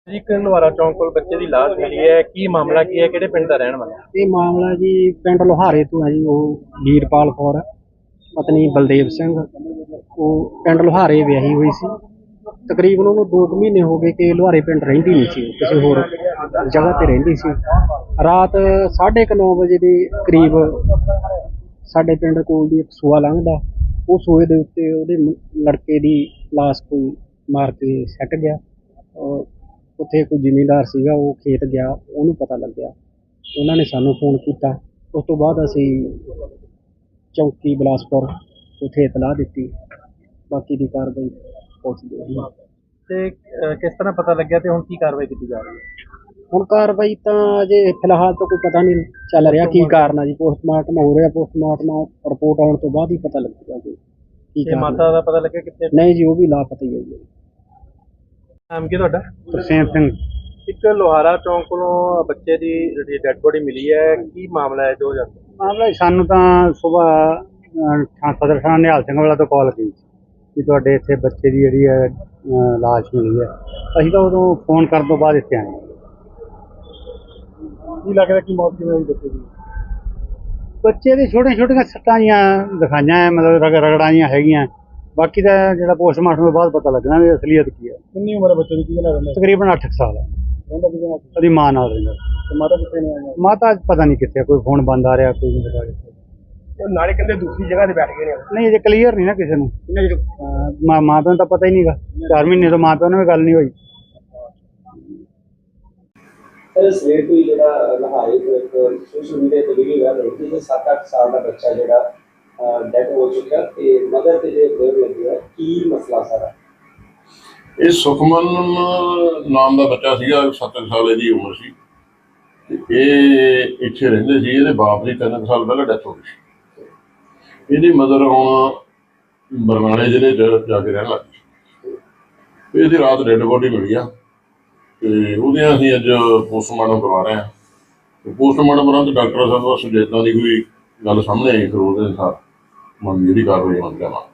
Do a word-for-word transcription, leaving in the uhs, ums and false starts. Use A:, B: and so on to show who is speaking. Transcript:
A: ਜੀ ਇੱਕ ਲੁਹਾਰਾ ਚੌਂਕ ਕੋਲ ਬੱਚੇ ਦੀ ਲਾਸ਼ ਮਿਲੀ ਹੈ। ਕੀ ਮਾਮਲਾ ਕੀ ਹੈ? ਕਿਹੜੇ ਪਿੰਡ ਦਾ ਰਹਿਣ ਵਾਲਾ?
B: ਇਹ ਮਾਮਲਾ ਜੀ ਪਿੰਡ ਲੋਹਾਰੇ ਤੋਂ ਹੈ ਜੀ। ਉਹ ਵੀਰਪਾਲ ਕੌਰ ਪਤਨੀ ਬਲਦੇਵ ਸਿੰਘ, ਉਹ ਪਿੰਡ ਲੋਹਾਰੇ ਵਿਆਹੀ ਹੋਈ ਸੀ। ਤਕਰੀਬਨ ਉਹਨੂੰ ਦੋ ਕੁ ਮਹੀਨੇ ਹੋ ਗਏ ਕਿ ਲੋਹਾਰੇ ਪਿੰਡ ਰਹਿੰਦੀ ਨਹੀਂ ਸੀ, ਕਿਸੇ ਹੋਰ ਜਗ੍ਹਾ ਤੇ ਰਹਿੰਦੀ ਸੀ। ਰਾਤ ਸਾਢੇ ਕੁ ਨੌ ਵਜੇ ਦੇ ਕਰੀਬ ਸਾਡੇ ਪਿੰਡ ਕੋਲ ਦੀ ਇੱਕ ਸੂਆ ਲੰਘਦਾ, ਉਹ ਸੂਏ ਦੇ ਉੱਤੇ ਉਹਦੇ ਲੜਕੇ ਦੀ ਲਾਸ਼ ਕੋਈ ਮਾਰ ਕੇ ਸੱਟ ਗਿਆ। ਉੱਥੇ ਕੋਈ ਜ਼ਿਮੀਂਦਾਰ ਸੀਗਾ, ਉਹ ਖੇਤ ਗਿਆ, ਉਹਨੂੰ ਪਤਾ ਲੱਗਿਆ, ਉਹਨਾਂ ਨੇ ਸਾਨੂੰ ਫੋਨ ਕੀਤਾ। ਉਸ ਤੋਂ ਬਾਅਦ ਅਸੀਂ ਚੌਂਕੀ ਬਿਲਾਸਪੁਰ ਉੱਥੇ ਇਤਲਾਹ ਦਿੱਤੀ। ਬਾਕੀ ਦੀ ਕਾਰਵਾਈ ਪੁਲਿਸ ਦੀ ਹੈ।
A: ਤੇ ਕਿਸ ਤਰ੍ਹਾਂ ਪਤਾ ਲੱਗਿਆ ਤੇ ਹੁਣ ਕੀ ਕਾਰਵਾਈ ਕੀਤੀ ਜਾ ਰਹੀ ਹੈ?
B: ਹੁਣ ਕਾਰਵਾਈ ਤਾਂ ਅਜੇ ਫਿਲਹਾਲ ਤਾਂ ਕੋਈ ਪਤਾ ਨਹੀਂ ਚੱਲ ਰਿਹਾ ਕੀ ਕਾਰਨ ਆ ਜੀ। ਪੋਸਟਮਾਰਟਮ ਹੋ ਰਿਹਾ, ਪੋਸਟਮਾਰਟਮ ਰਿਪੋਰਟ ਆਉਣ ਤੋਂ ਬਾਅਦ ਹੀ ਪਤਾ ਲੱਗੇਗਾ ਜੀ ਕੀ
A: ਤੇ ਮਾਤਾ ਦਾ ਪਤਾ ਲੱਗਿਆ ਕਿੱਥੇ?
B: ਨਹੀਂ ਜੀ, ਉਹ ਵੀ ਲਾਪਤਾ ਹੀ ਹੈ ਜੀ।
A: ਨਾਮ ਕੀ ਤੁਹਾਡਾ?
B: ਤਰਸੇਮ ਸਿੰਘ।
A: ਇੱਕ ਲੋਹਾਰਾ ਚੌਂਕ ਕੋਲੋਂ ਬੱਚੇ ਦੀ ਜਿਹੜੀ ਡੈਡ ਬੋਡੀ ਮਿਲੀ ਹੈ, ਕੀ ਮਾਮਲਾ ਹੈ? ਜੋ ਜਾਂਦਾ
B: ਮਾਮਲਾ ਸਾਨੂੰ ਤਾਂ ਸੁਬਾਹ ਸਦਰ ਥਾਣਾ ਨਿਹਾਲ ਸਿੰਘ ਵਾਲਾ ਤੋਂ ਕਾਲ ਕੀਤੀ ਕਿ ਤੁਹਾਡੇ ਇੱਥੇ ਬੱਚੇ ਦੀ ਜਿਹੜੀ ਹੈ ਲਾਸ਼ ਮਿਲੀ ਹੈ। ਅਸੀਂ ਤਾਂ ਉਦੋਂ ਫੋਨ ਕਰਨ ਤੋਂ ਬਾਅਦ ਇੱਥੇ ਆਏ।
A: ਕੀ ਲੱਗਦਾ ਕੀ ਮੌਤ ਕਿਵੇਂ ਹੋਈ ਬੱਚੇ ਦੀ?
B: ਬੱਚੇ ਦੀ ਛੋਟੀਆਂ ਛੋਟੀਆਂ ਸੱਟਾਂ ਜੀਆਂ ਦਿਖਾਈਆਂ ਹੈ, ਮਤਲਬ ਰਗ ਰਗੜਾਂ ਜਿਹੀਆਂ ਹੈਗੀਆਂ। ਬਾਕੀ ਦਾ ਜਿਹੜਾ ਪੋਸਟਮਾਰਟਮ ਤੋਂ ਬਾਅਦ ਪਤਾ ਲੱਗਣਾ ਵੀ ਅਸਲੀਅਤ ਕੀ ਹੈ।
A: ਕਿੰਨੀ ਉਮਰ ਹੈ ਬੱਚੇ ਦੀ? ਕੀ ਲੱਗਦਾ?
B: ਤਕਰੀਬਨ ਅੱਠ ਸਾਲ ਹੈ।
A: ਰਹਿੰਦਾ ਕਿਹਦੇ ਨਾਲ?
B: ਉਹਦੀ ਮਾਂ ਨਾਲ ਰਹਿੰਦਾ।
A: ਤੇ ਮਾਤਾ ਕਿੱਥੇ ਨੇ ਆਈਆਂ?
B: ਮਾਤਾ ਪਤਾ ਨਹੀਂ ਕਿੱਥੇ, ਕੋਈ ਫੋਨ ਬੰਦ ਆ ਰਿਹਾ, ਕੋਈ ਨਹੀਂ ਪਤਾ ਕਿੱਥੇ।
A: ਨਾਲੇ ਕਹਿੰਦੇ ਦੂਸਰੀ ਜਗ੍ਹਾ ਤੇ ਬੈਠ ਗਏ ਨੇ।
B: ਨਹੀਂ ਅਜੇ ਕਲੀਅਰ ਨਹੀਂ ਨਾ ਕਿਸੇ ਨੂੰ। ਮਾਂ ਮਾਂ ਪਿਓ ਨੂੰ ਤਾਂ ਪਤਾ ਹੀ ਨਹੀਂਗਾ। ਚਾਰ ਮਹੀਨੇ ਤੋਂ ਮਾਂ ਪਿਓ ਨਾਲ ਵੀ ਗੱਲ ਨਹੀਂ ਹੋਈ।
C: ਸਵੇਰ ਤੋਂ ਹੀ ਜਿਹੜਾ ਲਹਾਰੇ ਤੋਂ ਇੱਕ ਸੋਸ਼ਲ ਮੀਡੀਆ ਤੇ ਵੀਡੀਓ ਵਾਇਰਲ ਹੋਈ ਕਿ ਸੱਤ ਅੱਠ ਸਾਲ ਦਾ ਬੱਚਾ ਜਿਹੜਾ ਡੈਥ ਹੋ ਚੁੱਕਾ ਤੇ ਮਦਰ ਤੇ ਜਿਹੜੇ ਬਲੇਮ ਲੱਗੀ ਹੈ, ਕੀ ਮਸਲਾ ਸਾਰਾ?
D: ਇਹ ਸੁਖਮਨ ਨਾਮ ਦਾ ਬੱਚਾ ਸੀਗਾ, ਸੱਤ ਸਾਲ ਇਹਦੀ ਉਮਰ ਸੀ ਤੇ ਇਹ ਇੱਥੇ ਰਹਿੰਦੇ ਸੀ। ਇਹਦੇ ਬਾਪ ਦੀ ਤਿੰਨ ਸਾਲ ਪਹਿਲਾਂ ਡੈਥ ਹੋ ਗਈ ਸੀ। ਇਹਦੀ ਮਦਰ ਹੁਣ ਬਰਨਾਲੇ ਜ਼ਿਲ੍ਹੇ 'ਚ ਜਾ ਕੇ ਰਹਿਣ ਲੱਗ ਗਈ। ਇਹਦੀ ਰਾਤ ਡੈਡ ਬੋਡੀ ਮਿਲੀ ਆ ਤੇ ਉਹਦੀਆਂ ਅਸੀਂ ਅੱਜ ਪੋਸਟਮਾਰਟਮ ਕਰਵਾ ਰਹੇ ਹਾਂ। ਤੇ ਪੋਸਟਮਾਰਟਮ ਕਰਾਂ ਤੇ ਡਾਕਟਰ ਸਾਹਿਬ ਦਾ ਸੁਜੇਤਾਂ ਦੀ ਕੋਈ ਗੱਲ ਸਾਹਮਣੇ ਆਈ, ਫਿਰ ਉਹਦੇ ਅਨੁਸਾਰ ਮਨ ਜਿਹੜੀ ਕਾਰਵਾਈ ਮੰਨ ਜਾਵਾਂ।